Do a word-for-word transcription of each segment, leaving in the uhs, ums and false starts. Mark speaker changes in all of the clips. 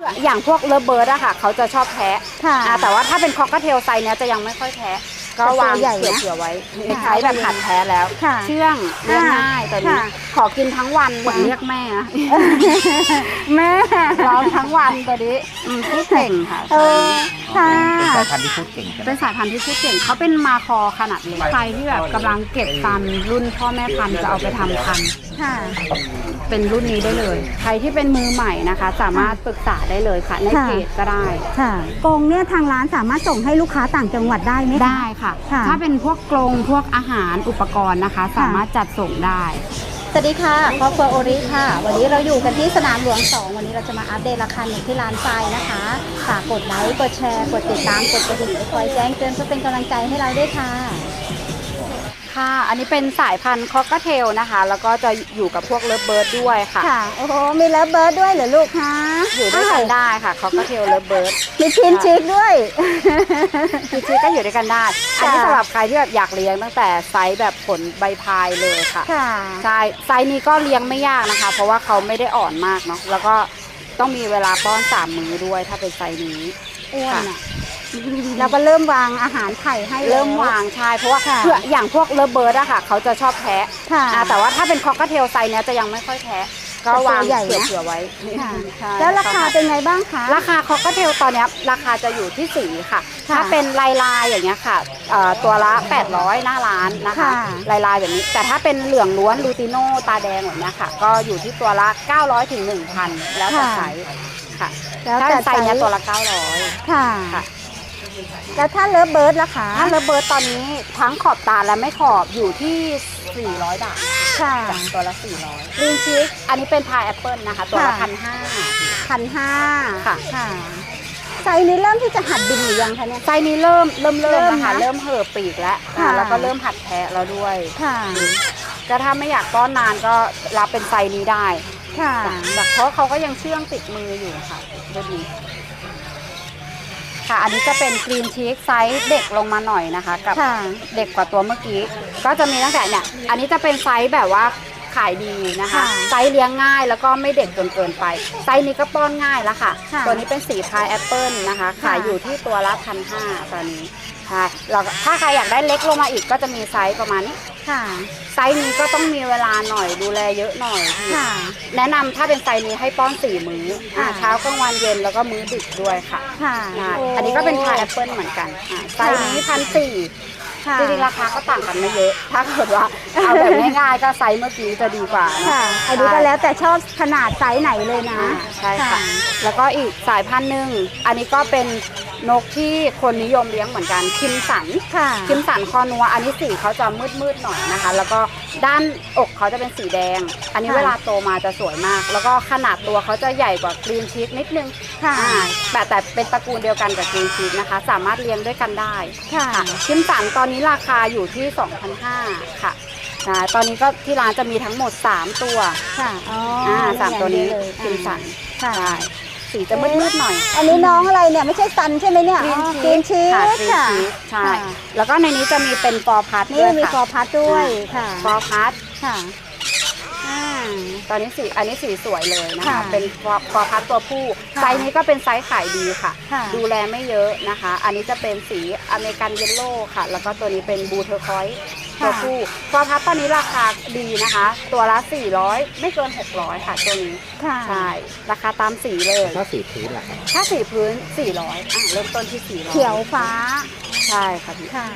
Speaker 1: อย่างพวกเลิฟเบิร์ดอะค่ะเขาจะชอบแทะแต่ว่าถ้าเป็นคอกเทลไซส์เนี้ยจะยังไม่ค่อยแทะก็วางเผื่อๆไว้ใช้แบบหัดแท้แล้วเชื่องเลี้ยงง่ายตัวนี้ขอกินทั้งวันเหมือนเรียกแม่แม่ร้องทั้งวันตัวนี้พูดเก่งค่ะเออค่ะ
Speaker 2: เป็นสายพันธุ์ที่พูดเก่ง
Speaker 1: เป็นสายพันธุ์ที่พูดเก่งเขาเป็นมาคอขนาดเล็กใครที่แบบกำลังเก็บฟันรุ่นพ่อแม่พันธุ์จะเอาไปทำพันธุ์เป็นรุ่นนี้ได้เลยใครที่เป็นมือใหม่นะคะสามารถปรึกษาได้เลยค่ะในเพจก็ได้
Speaker 3: ค่ะกรงเนี่ยทางร้านสามารถส่งให้ลูกค้าต่างจังหวัดได้ไหม
Speaker 1: ได้ค่ะถ้าเป็นพวกกรงพวกอาหารอุปกรณ์นะคะสามารถจัดส่งได้
Speaker 3: สวัสดีค่ะครอบครัวโอริค่ะวันนี้เราอยู่กันที่สนามหลวงสองวันนี้เราจะมาอัปเดตราคาหนึ่งที่ร้านทรายนะคะฝากกดไลค์กดแชร์กดติดตามกดกระดิ่งคอยแจ้งเตือนเพื่อเป็นกำลังใจให้เราด้วยค่ะ
Speaker 1: ค่ะอันนี้เป็นสายพันธุ์คอกเทลนะคะแล้วก็จะอยู่กับพวกเลิฟเบิร์ดด้วยค่ะ
Speaker 3: ค่ะโอ้โหมีเลิฟเบิร์ดด้วยเหรอลูกคะ
Speaker 1: อยู่ด้วยกันได้ค่ะคอกเทลเลิฟเบิร์ด
Speaker 3: มีชินชิกด้วย
Speaker 1: ชินชิกก็อยู่ด้วยกันได้อันนี้สำหรับใครที่แบบอยากเลี้ยงตั้งแต่ไซส์แบบผลใบพายเลยค่ะใช่ไซส์นี้ก็เลี้ยงไม่ยากนะคะเพราะว่าเขาไม่ได้อ่อนมากเนาะแล้วก็ต้องมีเวลาป้อนสามมื้อด้วยถ้าเป็นไซส์นี้
Speaker 3: อ้วนอ่ะเราก็เริ่มวางอาหารไข่ให้
Speaker 1: เริ่มวางใช่เพราะว่าเพื่ออย่างพวกเลิฟเบิร์ดอะค่ะเขาจะชอบแทะแต่ว่าถ้าเป็นคอกเทลไซส์เนี้ยจะยังไม่ค่อยแทะก็วางเผื่อๆไว้
Speaker 3: แล้วราคาเป็นไงบ้างคะ
Speaker 1: ราคาคอกเทลตอนนี้ราคาจะอยู่ที่สีค่ะถ้าเป็นลายลายอย่างเงี้ยค่ะตัวละแปดร้อยหน้าร้านนะคะลายลายแบบนี้แต่ถ้าเป็นเหลืองล้วนลูติโน่ตาแดงแบบนี้ค่ะก็อยู่ที่ตัวละเก้าร้อยถึง หนึ่งพัน แล้วแต่ไซส์ค่ะถ้าไซส์เนี้ยตัวละเก้าร้อย
Speaker 3: ค่ะแล้วถ้าเลิฟเบิร์ดล่ะคะ
Speaker 1: ถ้าเลิฟเบิร์ดตอนนี้ทั้งขอบตาและไม่ขอบอยู่ที่สี่ร้อยบาท
Speaker 3: ค่ะ
Speaker 1: ตัวละสี่ร้อยลินชิกอันนี้เป็นพายแอปเปิลนะคะตัวละพันห้า
Speaker 3: พันห้า
Speaker 1: ค่ะ
Speaker 3: ค่ะไซส์นี้เริ่มที่จะหัดบินหรือยังคะเนี่ย
Speaker 1: ไซส์นี้เริ่มเริ่มเริ่มนะคะเริ่มเห่อปีกแล้วแล้วก็เริ่มหัดแทะแล้วด้วย
Speaker 3: ค่ะ
Speaker 1: ก็ถ้าไม่อยากป้อนนานก็รับเป็นไซส์นี้ได้
Speaker 3: ค่ะ
Speaker 1: แบบเพราะเขาก็ยังเชื่องติดมืออยู่ค่ะดูดีค่ะอันนี้จะเป็นกรีนชีสไซส์เด็กลงมาหน่อยนะคะกับเด็กกว่าตัวเมื่อกี้ก็จะมีตั้งแต่เนี่ยอันนี้จะเป็นไซส์แบบว่าขายดีนะคะไซส์เลี้ยงง่ายแล้วก็ไม่เด็กจนเกินไปไซส์นี้ก็ป้อนง่ายแล้วค่ะตัวนี้เป็นสีพายแอปเปิลนะคะขายอยู่ที่ตัวละพันห้าตอนนี้ค่ะเราถ้าใครอยากได้เล็กลงมาอีกก็จะมีไซส์ประมาณนี้
Speaker 3: ค่ะ
Speaker 1: ไซส์นี้ก็ต้องมีเวลาหน่อยดูแลเยอะหน่อยแนะนำถ้าเป็นไซส์นี้ให้ป้อนสี่มื้อเช้ากลางวันเย็นแล้วก็มื้อดึกด้วยค่ะอันนี้ก็เป็นพายแอปเปิลเหมือนกันไซส์นี้พันสี่จริงๆราคาก็ต่างกันไม่เยอะถ้าเกิดว่าเอาแบบง่ายๆก็ไซส์เมื่อกี้จะดีกว่า
Speaker 3: ค่ะอันนี้ก็แล้วแต่ชอบขนาดไซส์ไหนเลยนะ
Speaker 1: ใช่ค่ะแล้วก็อีกสายพันธุ์หนึ่งอันนี้ก็เป็นนกที่คนนิยมเลี้ยงเหมือนกันคิมสันคิมสันคอนัวอันนี้สีเขาจะมืดๆหน่อยนะคะแล้วก็ด้านอกเขาจะเป็นสีแดงอันนี้เวลาโตมาจะสวยมากแล้วก็ขนาดตัวเขาจะใหญ่กว่ากรีนชีสนิดนึงแต่แต่เป็นตระกูลเดียวกันกับกรีนชีสนะคะสามารถเลี้ยงด้วยกันได้คิมสันตอนนี้ราคาอยู่ที่ สองพันห้าร้อย ค่ะตอนนี้ก็ที่ร้านจะมีทั้งหมดสามตัว
Speaker 3: ค่ะอ๋อ
Speaker 1: สามตัวนี้คิมสันใช่สีจะมืดๆหน่อย
Speaker 3: อันนี้น้องอะไรเนี่ยไม่ใช่ซันใช่ไหมเนี่ยกรีนชีส
Speaker 1: ค่ะใช่แล้วก็ในนี้จะมีเป็นฟอร์พัท
Speaker 3: นี่มีฟอร์พัทด้วยค่ะ
Speaker 1: ฟอร์พัท
Speaker 3: ค่ะ
Speaker 1: ตอนนี้สีอันนี้สีสวยเลยนะคะเป็นฟอร์พัทตัวผู้ไซส์นี้ก็เป็นไซส์ขายดีค่ะดูแลไม่เยอะนะคะอันนี้จะเป็นสีอเมริกันเยลโล่ค่ะแล้วก็ตัวนี้เป็นบูเทอร์คอยส์ตัวผู้ฟอร์พัทตอนนี้ราคาดีนะคะตัวละสี่ร้อยไม่เกินหกร้อยค่ะตัวนี้ใช่ราคาตามสีเลย
Speaker 2: ถ้าสีพื้นล่ะ
Speaker 1: ถ้าสีพื้นสี่ร้อยอ่ะเริ่มต้นที่สี่ร้อย
Speaker 3: เขียวฟ้า
Speaker 1: ใช่ค่ะพี่
Speaker 3: ค่ะ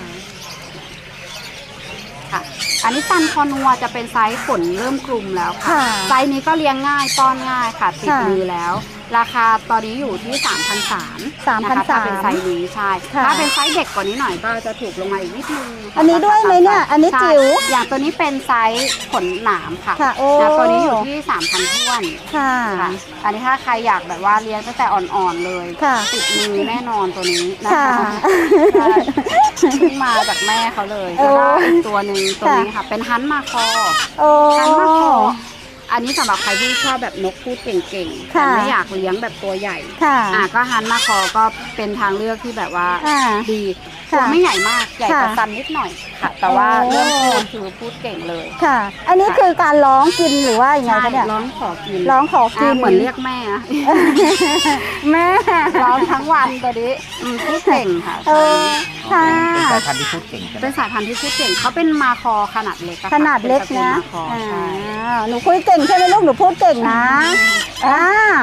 Speaker 1: ค่ะอันนี้ซันคอนัวจะเป็นไซส์ขนเริ่มกลุ่มแล้วค่ะไซส์นี้ก็เลี้ยงง่ายป้อนง่ายค่ะติดมือแล้วราคาตอนนี้อยู่ที่ สามพันสามร้อย นะคะถ้าเป็นไซส์นี้ใช่ถ้าเป็นไซส์เด็กกว่านี้หน่อยก็จะถูกลงมาอีกนิดนึง
Speaker 3: อันนี้ด้วยไหมเนี่ยอันนี้จิ๋ว
Speaker 1: อย่างตัวนี้เป็นไซส์ขนหนามค่ะตัวนี้อยู่ที่ สามพัน ท้วน
Speaker 3: ค่ะ
Speaker 1: อันนี้ถ้าใครอยากแบบว่าเลี้ยงตั้งแต่อ่อนๆเลยติดมือแน่นอนตัวนี้นะคะขึ้นมาจากแม่เขาเลยแล้วก็อีกตัวหนึ่งตัวนี้ค่ะเป็นฮันมาคอฮันมาคออันนี้สำหรับใครที่ชอบแบบนกพูดเก่งๆแต่
Speaker 3: ค่ะ
Speaker 1: ไม่อยากเลี้ยงแบบตัวใหญ่
Speaker 3: ค่ะ
Speaker 1: อ่ะก็ฮันมาคอก็เป็นทางเลือกที่แบบว่า
Speaker 3: อ่า
Speaker 1: ดี
Speaker 3: ค่ะ
Speaker 1: ตัวไม่ใหญ่มากใหญ่กว่า
Speaker 3: ค่ะ
Speaker 1: ซันนิดหน่อยค่ะ แต่ว่า
Speaker 3: โอ้
Speaker 1: เรื่องพูดคือพูดเก่งเลย
Speaker 3: ค่ะ อันนี้คือการร้องกินหรือว่ายังไง
Speaker 1: ใช่
Speaker 3: คะเนี่ย
Speaker 1: ร้องขอกิน
Speaker 3: ร้องขอกิน
Speaker 1: อ่ะเหมือนเรียกแม่อะ
Speaker 3: แม่
Speaker 1: ร้องทั้งวันตัวนี้อืมพูดเก่งค่ะ
Speaker 3: เออค่ะ
Speaker 2: เป็นสายพันธุ์ที่พูดเก่งใช่ไหม
Speaker 1: เป็นสายพันธุ์ที่พูดเก่งเขาเป็นมาคอขนาดเล็กอะค่ะ
Speaker 3: ขนาดเล็ก
Speaker 1: ป็
Speaker 3: นะ
Speaker 1: ตรกูลมาคอ
Speaker 3: อ่า
Speaker 1: ใช่
Speaker 3: หนูคุยเก่งใช่ไหมลูกหนูพูดเก่งนะอ่า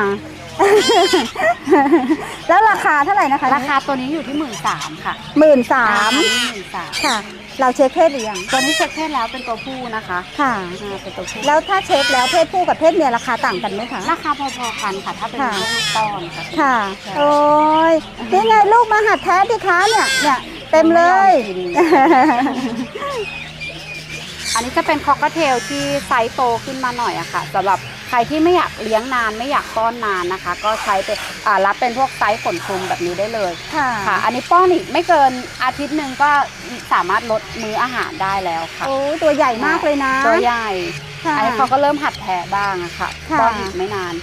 Speaker 3: แล้วราคาเท่าไหร่นะคะ
Speaker 1: ราคาตัวนี้อยู่ที่หมื่นสามค่ะ
Speaker 3: หมื่นสาม
Speaker 1: หมื่นสาม
Speaker 3: ค่ะ เราเช็คเพศหรือยัง
Speaker 1: ตัวนี้เช็คเพศแล้วเป็นตัวผู้นะคะ
Speaker 3: ค่ะ
Speaker 1: อ่าเป็นตัวผู้
Speaker 3: แล้วถ้าเช็คแล้วเพศผู้กับเพศเมียราคาต่างกันไหมคะ
Speaker 1: ราคาพอๆกันค่ะ ถ้าเป็น
Speaker 3: ค่ะ
Speaker 1: พวกลูกป้อนค่ะ
Speaker 3: ค่ะ
Speaker 1: ใช่
Speaker 3: โอ้ยนี่ไงลูกมาหัดแท้ดิคะเนี่ยเนี่ยเต็มเลย
Speaker 1: อันนี้จะเป็นคอกเทลที่ไซส์โตขึ้นมาหน่อยอะค่ะสำหรับใครที่ไม่อยากเลี้ยงนานไม่อยากป้อนนานนะคะ ก็ใช้เป็นอ่ารับเป็นพวกไซส์ขนคลุมแบบนี้ได้เลย
Speaker 3: ค่ะ
Speaker 1: ค่ะ อันนี้ป้อนอีกไม่เกินอาทิตย์หนึ่งก็สามารถลดมื้ออาหารได้แล้วค่ะ
Speaker 3: โอ้ตัวใหญ่มากเลยนะ
Speaker 1: ตัวใหญ่
Speaker 3: ค่ะ
Speaker 1: อันนี้เขาก็เริ่มหัดแทะบ้างอะค่ะ
Speaker 3: ค่ะ
Speaker 1: ป้อนอีกไม่นาน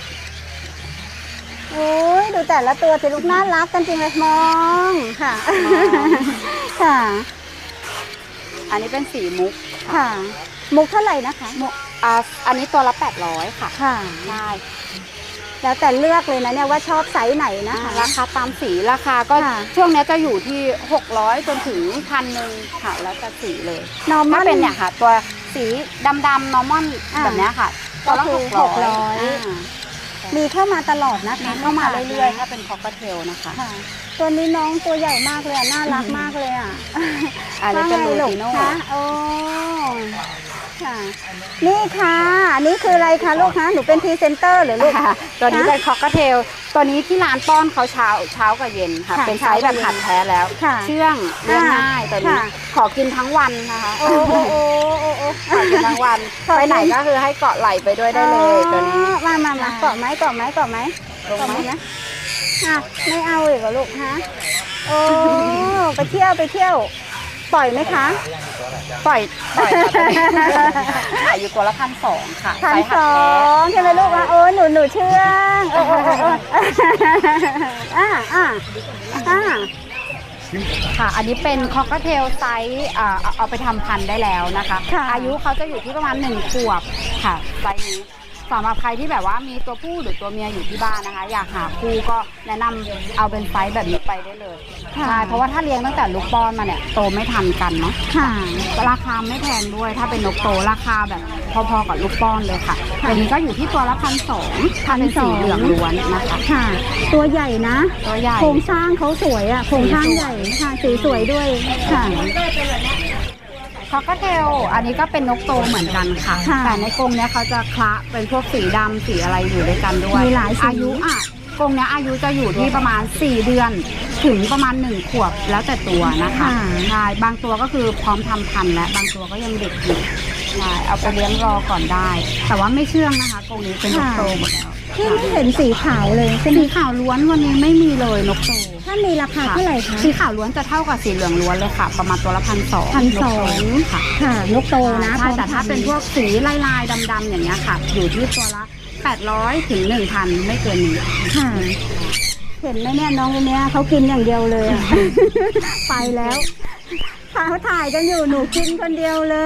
Speaker 3: โอ้ยดูแต่ละตัวสิลูกน่ารักกันจริงเลยมองค่ะ
Speaker 1: มอง
Speaker 3: ค่ะ
Speaker 1: อันนี้เป็นสีมุก
Speaker 3: ค่ะ มุกเท่าไหร่นะคะ
Speaker 1: มุกอ่าอันนี้ตัวละแปดร้อยค่ะ
Speaker 3: ค่ะ
Speaker 1: ใช่
Speaker 3: แล้วแต่เลือกเลยนะเนี่ยว่าชอบไซส์ไหนนะ
Speaker 1: อ่า
Speaker 3: คะ
Speaker 1: ราคาตามสีราคาก็
Speaker 3: ค่ะ
Speaker 1: ช่วงนี้จะอยู่ที่หกร้อยจนถึงพันหนึ่งค่ะแล้วแต่สีเลย
Speaker 3: นอร์มั
Speaker 1: ถ้าน เป็นเนี่ยค่ะ ตัวสีดำๆนอร์มอน
Speaker 3: อ่า
Speaker 1: แบบเนี้ยค่ะตัวละ
Speaker 3: ก็
Speaker 1: ห
Speaker 3: คื
Speaker 1: ก
Speaker 3: อ
Speaker 1: ร้อย
Speaker 3: หกร้อย มีเข้ามาตลอดนะคะ
Speaker 1: มีเข้ามาเรื่อยๆถ้าเป็นคอกเทลนะคะ
Speaker 3: ค่ะ ตัวนี้น้องตัวใหญ่มากเลยอะน่ารักมากเลยอ่ะ
Speaker 1: อันนี้เป็น
Speaker 3: ว่าไง
Speaker 1: ลู
Speaker 3: ลู
Speaker 1: ติโน่
Speaker 3: คะโอ้ค่ะ นี่ค่ะอันนี้คืออะไรคะลูกคะหนูเป็นพรีเซนเตอร์หรือลูก
Speaker 1: ค่ะตัวนี้เป็นคอกเทลตัวนี้ที่ร้านป้อนเขาเช้าเช้ากับเย็นค่ะ
Speaker 3: ค่ะ
Speaker 1: เป็นไซส์แบบหัดแท้แล้ว
Speaker 3: ค่ะ
Speaker 1: เชื่องเลี้ยงง่ายตัวนี้
Speaker 3: ค่ะ
Speaker 1: ขอกินทั้งวันนะคะ
Speaker 3: โอ้โอ้โอ้โอ้โอ้
Speaker 1: ขอกินทั้งวัน
Speaker 3: ขอกิน
Speaker 1: ไปไหนก็คือให้เกาะไหลไปด้วยได้เลยตัวนี้
Speaker 3: อ๋อมามามาเกาะไหมเกาะไหมเกาะไหม
Speaker 1: ลง
Speaker 3: เกาะ
Speaker 1: ไห
Speaker 3: ไห
Speaker 1: ม
Speaker 3: มนะอ่ะไม่เอาอีกเหรอลูกฮะโอ้ไปเที่ยวไปเที่ยว ปล่อยไหมคะ
Speaker 1: ปล่อยปล่อยค่ะตัวนี้ขายอยู่ตัวละพันสองค่ะ
Speaker 3: พัน
Speaker 1: ไซส์
Speaker 3: ส
Speaker 1: หัด
Speaker 3: อ
Speaker 1: แท้
Speaker 3: งใช่ไหมลูกอ่ะโอ้หนูหนูเชื่องโอ้โอ้โอ้โอ้อ่าอ่าอ่า
Speaker 1: ค่ะ อันนี้เป็นคอกเทลไซส์อ่าเอาเอาไปทำพันธุ์ได้แล้วนะคะ
Speaker 3: ค่ะ
Speaker 1: อายุเขาจะอยู่ที่ประมาณหนึ่งขวบค่ะไซส์นี้สำหรับใครที่แบบว่ามีตัวผู้หรือตัวเมียอยู่ที่บ้านนะคะ อยากหาคู่ก็แนะนำเอาเป็นไซส์แบบนี้ไปได้เลยใช่เพราะว่าถ้าเลี้ยงตั้งแต่ลูกป้อนมาเนี่ยโตไม่ทันกันเนาะ
Speaker 3: ค่ะ
Speaker 1: ราคาไม่แพงด้วยถ้าเป็นนกโตราคาแบบพอๆกับลูกป้อนเลยค่ะตัวนี้ก็อยู่ที่ตัวละพันสองถ้าเป็นสีเหลืองล้วนนะคะ
Speaker 3: ค่ะ ตัวใหญ่นะ
Speaker 1: ตัวใหญ่
Speaker 3: โครงสร้างเขาสวยอ่ะโครงสร้างใหญ่ค่ะสีสวยด้วยค่ะ
Speaker 1: คอกเทลอันนี้ก็เป็นนกโตเหมือนกันค่ะ
Speaker 3: ค่ะ
Speaker 1: แต่ในกรงเนี้ยเขาจะคละเป็นพวกสีดำสีอะไรอยู่ด้วยกันด้วย
Speaker 3: มีหลายสี
Speaker 1: อายุอ่ะกรงเนี้ยอายุจะอยู่ที่ประมาณสี่เดือนถึงประมาณหนึ่งขวบแล้วแต่ตัวนะคะใช่บางตัวก็คือพร้อมทำพันธุ์และบางตัวก็ยังเด็กอยู่ใช่เอาไปเลี้ยงรอก่อนได้ แต่ว่าไม่เชื่องนะคะกรงนี้เป็นนกโตหมดแล้ว
Speaker 3: ที่ไม่เห็นสีขาวเลยใช่ไหม
Speaker 1: สีขาวล้วนวันนี้ไม่มีเลยนกโต
Speaker 3: ถ้ามีราคาเท่าไหร่คะ
Speaker 1: สีขาวล้วนจะเท่ากับสีเหลืองล้วนเลยค่ะ ประมาณตัวละพันสอง
Speaker 3: พันสอง
Speaker 1: ค่ะ
Speaker 3: ค่ะนกโตนะ
Speaker 1: ใช่แต่ถ้าเป็นพวกสีลายลายๆดำๆอย่างเงี้ยค่ะ อยู่ที่ตัวละแปดร้อยถึงหนึ่งพันไม่เกินนี้
Speaker 3: ค่ะ เห็นไหมเนี่ยน้องคนเนี้ยเขากินอย่างเดียวเลยอะ ไปแล้วเขาถ่ายกันอยู่หนูกินคนเดียวเลย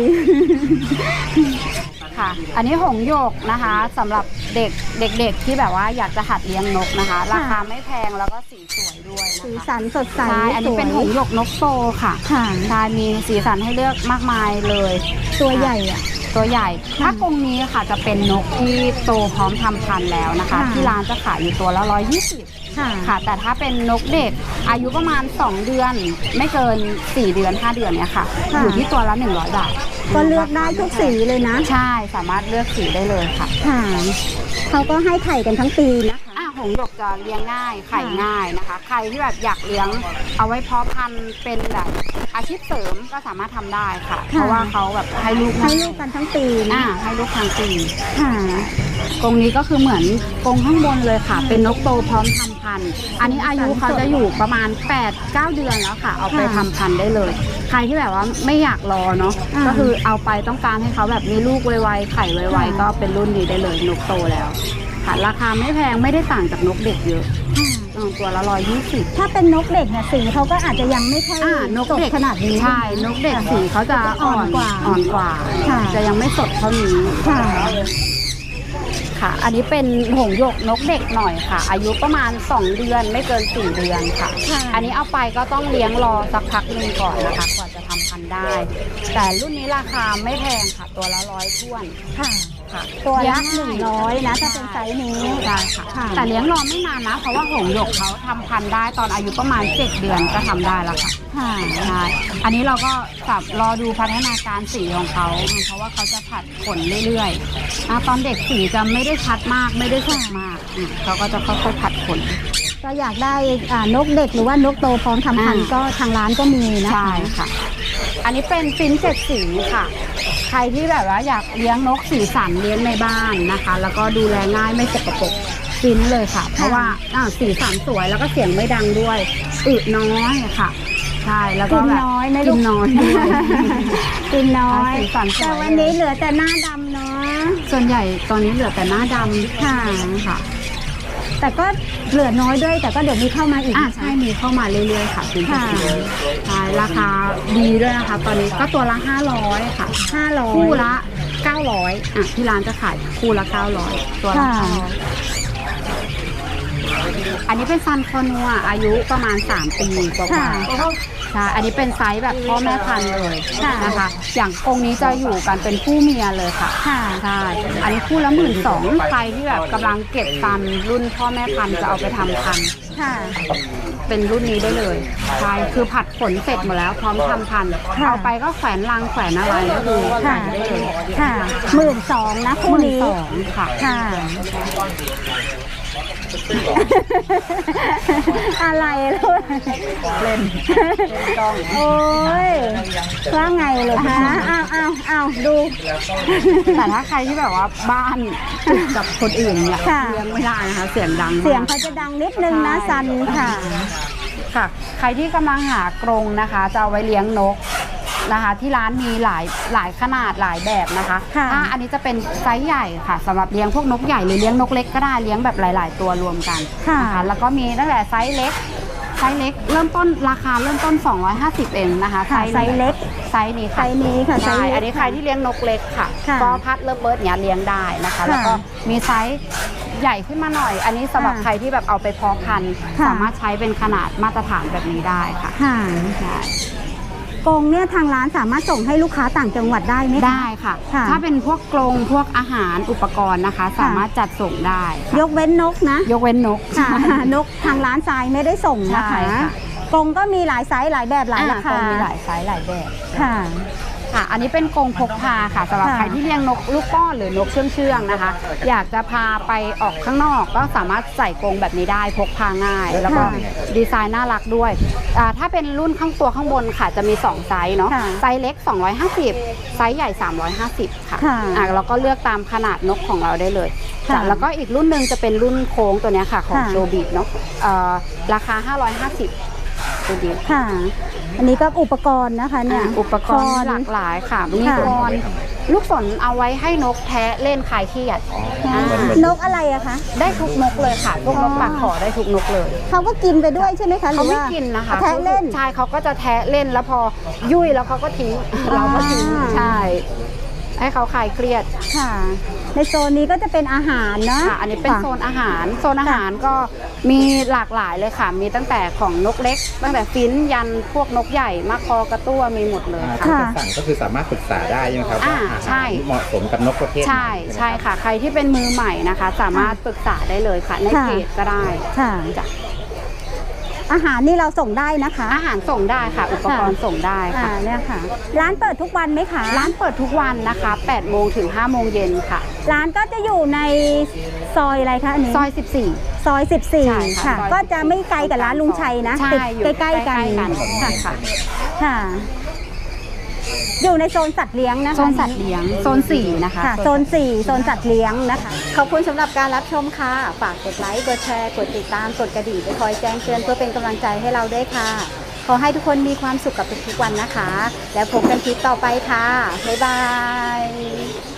Speaker 1: ค่ะ อันนี้หงส์หยกนะคะสำหรับเด็กเด็กๆที่แบบว่าอยากจะหัดเลี้ยงนกนะคะ ราคาไม่แพงแล้วก็สีสวยด้วย
Speaker 3: สี
Speaker 1: นะคะ
Speaker 3: สันสดใส
Speaker 1: ใช่อันนี้เป็นหงส์หยกนกโตค่ะ
Speaker 3: ค่ะ
Speaker 1: ใช่มีสีสันให้เลือกมากมายเลย
Speaker 3: ตัวใหญ่อะ
Speaker 1: ตัวใหญ่ ถ้ากรงนี้ค่ะจะเป็นนกที่โตพร้อมทำพันธุ์แล้วนะคะ
Speaker 3: ค่ะ
Speaker 1: ที่ร้านจะขายอยู่ตัวละร้อยยี่สิบ
Speaker 3: ค่ะ
Speaker 1: ค่ะ แต่ถ้าเป็นนกเด็กอายุประมาณสองเดือน ไม่เกินสี่เดือนห้าเดือนเนี้ยค่ะ
Speaker 3: ค่ะ
Speaker 1: อยู่ที่ตัวละหนึ่งร้อยบาท
Speaker 3: ก็เลือกได้ทุกสีเลยนะ
Speaker 1: ใช่สามารถเลือกสีได้เลยค่ะ
Speaker 3: ค่ะเขาก็ให้ไข่กันทั้งปีนะคะ
Speaker 1: อ่ะหงส์หยกจะเลี้ยงง่ายไข่ง่ายนะคะ ใครที่แบบอยากเลี้ยงเอาไว้เพาะพันธุ์เป็นแบบอาชีพเสริมก็สามารถทำได้ค่ะ
Speaker 3: ค่ะ
Speaker 1: เพราะว่าเขาแบบให้ลูก
Speaker 3: ให้ลูกกันทั้งปี
Speaker 1: อ่า
Speaker 3: นะ
Speaker 1: ให้ลูกทางปี
Speaker 3: ค่ะ
Speaker 1: กรงนี้ก็คือเหมือนกรงข้างบนเลยค่ะ เป็นนกโตพร้อมทำพันธุ์อันนี้อายุเขาจะอยู่ประมาณ แปดเก้า เดือนแล้วค่ะ เอาไปทำพันธุ์ได้เลย ใครที่แบบว่าไม่อยากรอเนาะก็คือเอาไปต้องการให้เขาแบบมีลูกไวๆไข่ไวๆก็เป็นรุ่นนี้ได้เลยนกโตแล้วค่ะราคาไม่แพงไม่ได้ต่างจากนกเด็กเยอะตัวละร้อยยี่สิบ
Speaker 3: ถ้าเป็นนกเด็กเนี่ยสีเขาก็อาจจะยังไม่ค่อย
Speaker 1: นกเด็ก
Speaker 3: ขนาดนี้
Speaker 1: ใช่นกเด็กสีเขาจะอ่อนกว่าอ่อนกว่าจะยังไม่สดเท่านี้ค่ะค่ะอันนี้เป็นหงส์หยกนกเด็กหน่อยค่ะ อายุประมาณสองเดือนไม่เกินสี่เดือนค่ะอันนี้เอาไปก็ต้องเลี้ยงรอสักพักหนึ่งก่อนนะคะกว่าจะทำพันธุ์ได้ แต่รุ่นนี้ราคาไม่แพงค่ะตัวละร้อยท้วนค่ะค่ะ
Speaker 3: ตัวละหนึ่งร้อยนะถ้าเป็นไซส์นี้
Speaker 1: ใช่ค่ะแต่เลี้ยงรอไม่นานนะเพราะว่าหงส์หยกเขาทำพันธุ์ได้ตอนอายุประมาณเจ็ดเดือนก็ทำได้แล้วค่ะใช่อันนี้เราก็จับรอดูพัฒนาการสีของเขาเพราะว่าเขาจะผัดขนเรื่อยๆตอนเด็กสีจะไม่ได้ชัดมากไม่ได้สดมากเขาก็จะค่อยๆผัดขน
Speaker 3: ก็อยากได้นกเด็กหรือว่านกโตพร้อมทำพันธุ์ก็ทางร้านก็มีนะคะ
Speaker 1: ใช่ค่ะอันนี้เป็นฟินเจ็ดสีค่ะใครที่แบบว่าอยากเลี้ยงนกสีสันเลี้ยงในบ้านนะคะแล้วก็ดูแลง่ายไม่สกปรกฟินเลยค่ะเพราะว่าสีสันสวยแล้วก็เสียงไม่ดังด้วยอึน้อยค่ะใช่แล้วก็แบบ
Speaker 3: น้อยไม่
Speaker 1: กินน้อย
Speaker 3: กินน้อย
Speaker 1: แต่
Speaker 3: วันนี้เหลือแต่หน้าดำเนาะ
Speaker 1: ส่วนใหญ่ตอนนี้เหลือแต่หน้าดำค่ะค่ะ
Speaker 3: แต่ก็เหลือน้อยด้วยแต่ก็เดี๋ยวมีเข้ามาอีก
Speaker 1: อ่าใช่มีเข้ามาเรื่อยๆค่ะคุณผู้ชมใช่ราคาดีด้วยนะคะตอนนี้ก็ตัวละห้าร้อยค่ะ
Speaker 3: ห้าร้อย
Speaker 1: คู่ละเก้าร้อยอ่ะที่ร้านจะขายคู่ละเก้าร้อยตัวละห้าร้อยอันนี้เป็นซันคอนัวอายุประมาณสามปีกว่าใช่อันนี้เป็นไซส์แบบพ่อแม่พันธุ์เลยนะคะอย่างกรงนี้จะอยู่กันเป็นคู่เมียเลยค่ะใช่อันนี้คู่ละหมื่นสองใครที่แบบกำลังเก็บซันรุ่นพ่อแม่พันธุ์จะเอาไปทำพันธุ์เป็นรุ่นนี้ได้เลยใช่คือผัดขนเสร็จหมดแล้วพร้อมทำพันธุ์เอาไปก็แขวนรังแขวนอะไรก็คือใส่ได้เลย
Speaker 3: ค่ะหมื่นสองนะคู่นี้
Speaker 1: ค่ะ
Speaker 3: ค่ะอะไรลูก
Speaker 1: เล่น
Speaker 3: โอ้ยว่าไงเลยฮะอ้าวอ้าวอ้าวดู
Speaker 1: แต่ถ้าใครที่แบบว่าบ้านกับคนอื่นเนี่ยเลี้ยงไม่ได้นะคะเสียงดัง
Speaker 3: เสียงเขาจะดังนิดนึงนะซันค่ะ
Speaker 1: ค่ะใครที่กำลังหากรงนะคะจะเอาไว้เลี้ยงนกนะคะที่ร้านมีหลายหลายขนาดหลายแบบนะคะอ่าอันนี้จะเป็นไซส์ใหญ่ค่ะสำหรับเลี้ยงพวกนกใหญ่หรือเลี้ยงนกเล็กก็ได้เลี้ยงแบบหลายๆตัวรวมกันนะคะแล้วก็มีตั้งแต่ไซส์เล็กไซส์เล็กเริ่มต้นราคาเริ่มต้นสองร้อยห้าสิบเองนะคะไซส์
Speaker 3: เล็ก
Speaker 1: ไซส์นี้ค่ะ
Speaker 3: ไซส์นี้ค่ะ
Speaker 1: ใช่อันนี้ใครที่เลี้ยงนกเล็กค่ะก็พัดเลิฟเบิร์ดเนี้ยเลี้ยงได้นะคะแล้วก็มีไซส์ใหญ่ขึ้นมาหน่อยอันนี้สำหรับใครที่แบบเอาไปเพาะพันธุ์สามารถใช้เป็นขนาดมาตรฐานแบบนี้ได้ค่ะใช่
Speaker 3: กรงเนี่ยทางร้านสามารถส่งให้ลูกค้าต่างจังหวัดได้ไหมคะ
Speaker 1: ได้ค่ะถ้าเป็นพวกกรงพวกอาหารอุปกรณ์นะคะสามารถจัดส่งได้
Speaker 3: ยกเว้นนกนะ
Speaker 1: ยกเว้นนก
Speaker 3: ค่ะนกทางร้านทรายไม่ได้ส่งนะคะกรงก็มีหลายไซส์หลายแบบหลายราคา
Speaker 1: มีหลายไซส์หลายแบบ
Speaker 3: ค่ะ
Speaker 1: ค่ะอันนี้เป็นกรงพกพาค่ะสำหรับใครที่เลี้ยงนกลูกป้อนหรือนกเชื่องๆนะคะอยากจะพาไปออกข้างนอกก็สามารถใส่กรงแบบนี้ได้พกพาง่ายแล้วก็ดีไซน์น่ารักด้วยถ้าเป็นรุ่นข้างตัวข้างบนค่ะจะมีสองไซส์เนาะไซส์เล็กสองร้อยห้าสิบไซส์ใหญ่สามร้อยห้าสิบค่ะอ่ะแล้วก็เลือกตามขนาดนกของเราได้เลยแล้วก็อีกรุ่นหนึ่งจะเป็นรุ่นโค้งตัวนี้ค่ะของโจบิเนาะราคาห้าร้อยห้าสิบ
Speaker 3: ค่ะอันนี้ก็อุปกรณ์นะคะเนี่ย
Speaker 1: อุปกรณ์หลากหลายค่ะมีกรอนลูกศรเอาไว้ให้นกแทะเล่นคลายเครียด
Speaker 3: นกอะไรอะคะ
Speaker 1: ได้ทุกนกเลยค่ะพวกนกปากขอได้ทุกนกเลย
Speaker 3: เขาก็กินไปด้วยใช่ไหมคะ
Speaker 1: เขาไม่กินนะคะ
Speaker 3: แทะเล่น
Speaker 1: ใช่เขาก็จะแทะเล่นแล้วพอยุ่ยแล้วเขาก็ทิ้งเราก็ทิ้งใช่ให้เขาคลายเครียด
Speaker 3: ค่ะในโซนนี้ก็จะเป็นอาหารเนาะ
Speaker 1: อันนี้เป็นโซนอาหารโซนอาหารก็มีหลากหลายเลยค่ะมีตั้งแต่ของนกเล็กตั้งแต่ฟินยันพวกนกใหญ่มะคอกระตั้วมีหมดเลย
Speaker 2: ค่ะสั่งก็คือสามารถปรึกษาได้ใช่ไหมครับว่าอาหารเหมาะสมกับนกประเภท
Speaker 1: ใช่ใช่ค่ะใครที่เป็นมือใหม่นะคะสามารถปรึกษาได้เลยค่ะในเพจก็ได้
Speaker 3: ค่ะอาหารนี่เราส่งได้นะคะ
Speaker 1: อาหารส่งได้ค่ะอุปกรณ์ส่งได้ค่ะ
Speaker 3: เนี่ยค่ะร้านเปิดทุกวันไหมคะ
Speaker 1: ร้านเปิดทุกวันนะคะแปดโมงถึงห้าโมงเย็นค่ะ
Speaker 3: ร้านก็จะอยู่ในซอยอะไรคะอันนี้
Speaker 1: ซอยสิบสี่
Speaker 3: ซอยสิบสี่ค่ะก็จะไม่ไกลกับร้านลุงชัยนะติดใกล้ๆกัน
Speaker 1: ค่ะค่ะ
Speaker 3: ค่ะอยู่ในโซนสัตว์เลี้ยงนะคะ
Speaker 1: โซนสัตว์เลี้ยงโซนสี่นะคะ
Speaker 3: ค่ะโซนสี่โซนสัตว์เลี้ยงนะคะขอบคุณสำหรับการรับชมค่ะฝากกดไลค์กดแชร์กดติดตามกดกระดิ่งไปคอยแจ้งเตือนเพื่อเป็นกำลังใจให้เราด้วยค่ะขอให้ทุกคนมีความสุขกับทุกๆวันนะคะแล้วพบกันคลิปต่อไปค่ะบ๊ายบาย